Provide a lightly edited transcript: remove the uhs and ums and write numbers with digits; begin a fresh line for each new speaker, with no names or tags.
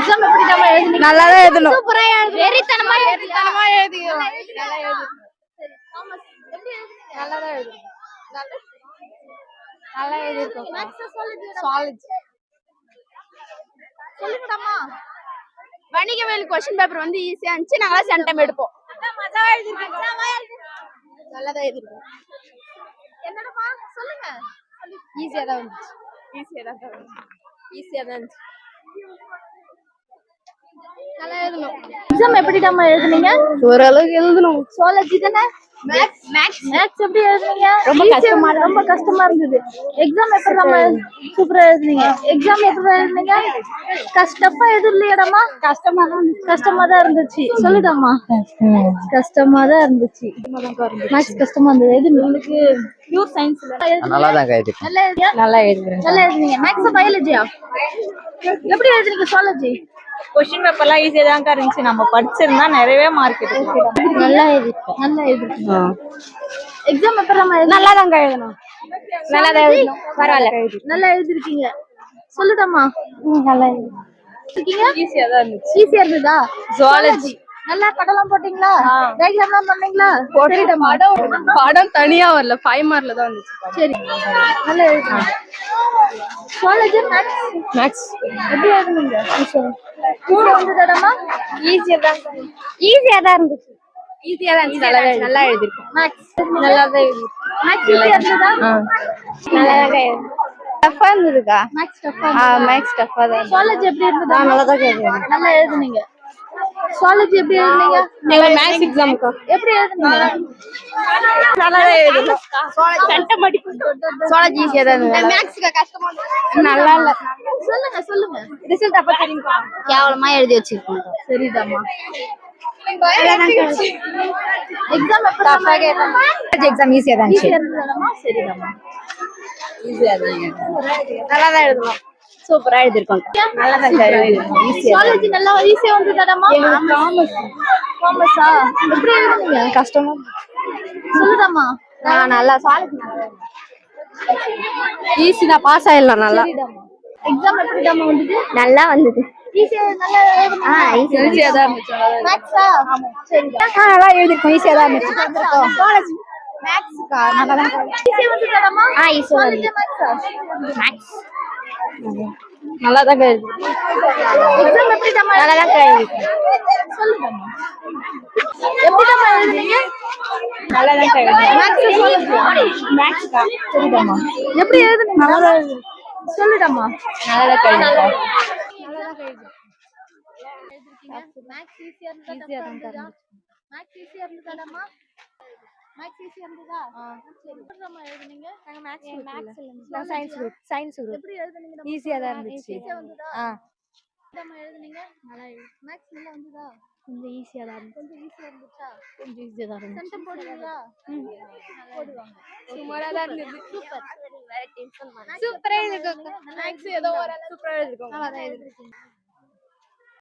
Exam எப்படி நம்ம எழுதுனீங்க?
நல்லா தான் எழுதணும்.
சூப்பரா எழுதுனீங்க. வெறித்தனமா
எழுதிக்கிறோம்.
நல்லா எழுதுனீங்க. சரி தாமஸ் எப்படி எழுதுனீங்க?
நல்லா தான் எழுதுறோம். நல்லா எழுதிருக்கோம்.
Maths solid
solid.
சொல்லுங்கடாமா.
வணிகவியல் क्वेश्चन பேப்பர் வந்து ஈஸியா இருந்துச்சு. நாங்களா சென்டம் எடுப்போம்.
மஜாவா எழுதிருக்கீங்க.
நல்லா தான் எழுதிருக்கோம்.
என்னடா சொல்லுங்க.
ஈஸியா தான் இருந்துச்சு. ஈஸியா தான் இருந்துச்சு. நல்லா எழுதணும்.
எக்ஸாம் எப்படிடாமா எழுதுனீங்க?
ஓரளவுக்கு எழுதணும்.
சுவாலஜி தானே? மேக்ஸ் எப்படி எழுதுனீங்க? ரொம்ப கஷ்டமா இருந்தது. எக்ஸாம் எப்படி நம்ம சூப்பரா எழுதுனீங்க? எக்ஸாம் எப்படி எழுதுனீங்க? கஷ்டமா எதுவும் இல்லையாடாமா? கஷ்டமா தான் இருந்துச்சு. சொல்லுடாமா. கஷ்டமா தான் இருந்துச்சு. மேக்ஸ் கஷ்டமா இருந்தது. எது உங்களுக்கு பியூர் சயின்ஸ்ல
நல்லா தான் எழுதிருக்கேன்.
நல்லா எழுதியா? நல்லா எழுதுனீங்க. மேக்ஸ் பயாலஜியா? எப்படி எழுதுனீங்க சுவாலஜி?
क्वेश्चन பேப்பர்லாம் ஈஸியா தான் இருந்துச்சு. நம்ம படிச்சிருந்தா நிறையவே மார்க் எடுக்கலாம்.
நல்லா எழுதிருக்கீங்க. எக்ஸாம் பேப்பர் நம்ம
நல்லா தான் எழுதணும். நல்லா தான் எழுதணும். பரவாயில்ல.
நல்லா எழுதிருக்கீங்க. சொல்லுடாமா.
நல்லா எழுதிருக்கீங்க. ஈஸியா தான் இருந்துச்சு.
ஈஸியா இருந்ததா?
ஜுவாலஜி
நல்லா படம்லாம் போட்டீங்களா? டயகிராம்லாம் பண்ணீங்களா?
படம் தனியா வரல. 5 மார்க்ல தான் வந்துச்சு.
சரி. நல்லா எழுதுங்க. ஜுவாலஜி மேக்ஸ் எப்படி எழுதுனீங்க? ஈஸியா வந்ததாடாமா?
ஈஸியா தான் இருந்துச்சு. நல்லா எழுதிருக்கோம்.
மேக்ஸ்
நல்லா தான் எழுதிருக்கோம்.
மேக்ஸ் ஈஸியா இருந்ததா?
நல்லா தான் எழுதிருக்கோம். டஃபா இருந்ததுக்கா?
மேக்ஸ் டஃபா.
மேக்ஸ் டஃபா தான்.
ஜுவாலஜி எப்படி இருந்ததா?
நல்லா தான் எழுதிருக்கோம்.
நல்லா எழுதுனீங்க. ஜுவாலஜி எப்படி எழுதுனீங்க?
நீங்க மேத்ஸ் எக்ஸாம்க்கு
எப்படி எழுதுனீங்க?
நல்லா தான் எழுதிருக்கோம். ஜுவாலஜி ஈஸியா தான் இருந்தது. மேத்ஸ்க்கு கஷ்டமா இருந்தது. நல்லா இல்ல.
சொல்லுங்க.
ரிசல்ட் அப்ப தெரியுமா?
கேவலமா எழுதி வச்சிருக்கோம். சரிடாமா. எக்ஸாம் எப்படி டஃபா கேட்டாங்க?
எக்ஸாம் ஈஸியா தான்
ஈஸியா இருந்ததாமா? சரிடாமா.
ஈஸியா தான். நல்லா தான் எழுதணும். சூப்பரா எழுதிருக்கோம். நல்லா தான் எழுதிருக்கோம். ஈஸியா.
காலேஜ் நல்லா ஈஸியா வந்ததாடாமா? காமர்ஸா? எப்படி எழுதுனீங்க?
கஷ்டமா
சொல்லுடாமா.
நல்லா சாலிட். ஈஸி தான். பாஸ் ஆயிடலாம். நல்லா.
எக்ஸாம் எப்படிடாமா வந்தது?
நல்லா வந்தது.
ஈஸியா நல்லா எழுதுனீங்க.
ஈஸியா தான் இருந்துச்சு.
மேக்ஸா? சரிடா.
நல்லா எழுதிருக்கோம். ஈஸியா தான் இருந்துச்சு. காலேஜ்
மேக்ஸ்க்கா நல்லா தான் ஈஸியா வந்ததாடாமா?
ஈஸியா
காலேஜ் மேக்ஸா?
மேக்ஸ் நல்லா தான் எழுதிருக்கோம்.
எக்ஸாம் எப்படிடாமா?
நல்லா தான் எழுதிருக்கோம்.
சொல்லுடாமா. எப்படிடாமா எழுதுனீங்க?
நல்லா தான் எழுதிருக்கோம்.
மேக்ஸ் சொல்லுங்க.
மேக்ஸ்க்கா?
சரிடாமா. எப்படி எழுதுனீங்க? நல்லா தான் எழுதுனீங்க. சொல்லுடாமா.
நல்லா தான் எழுதிருக்கோம்.
மேக்ஸ் ஈஸியா இருந்ததா? மேக்ஸ் ஈஸியா இருந்ததாடாமா? மேக்ஸ் ஈஸியா இருந்ததா? சரி. எப்படிடாமா எழுதுனீங்க?
நாங்க மேக்ஸ் இல்ல. Science group.
எப்படி எழுதுனீங்க?
ஈஸியா தான் இருந்துச்சு.
ஈஸியா வந்ததா? எப்படிடாமா எழுதுனீங்க? நல்லா மேக்ஸ் நல்லா வந்ததா?
கொஞ்சம் ஈஸியா தான் இருந்துச்சு.
கொஞ்சம் ஈஸியா இருந்துச்சா?
கொஞ்சம் ஈஸியா தான் இருந்துச்சு.
சென்டம் போடுவீங்களா? போடுவாங்க.
சுமாரா தான் இருந்துச்சு.
சூப்பர்.
சூப்பரா எழுதிருக்கோம். மேக்ஸ் ஏதோ ஓரளவு சூப்பரா எழுதிருக்கோம்.
நல்லா தான் எழுதிருக்கீங்க.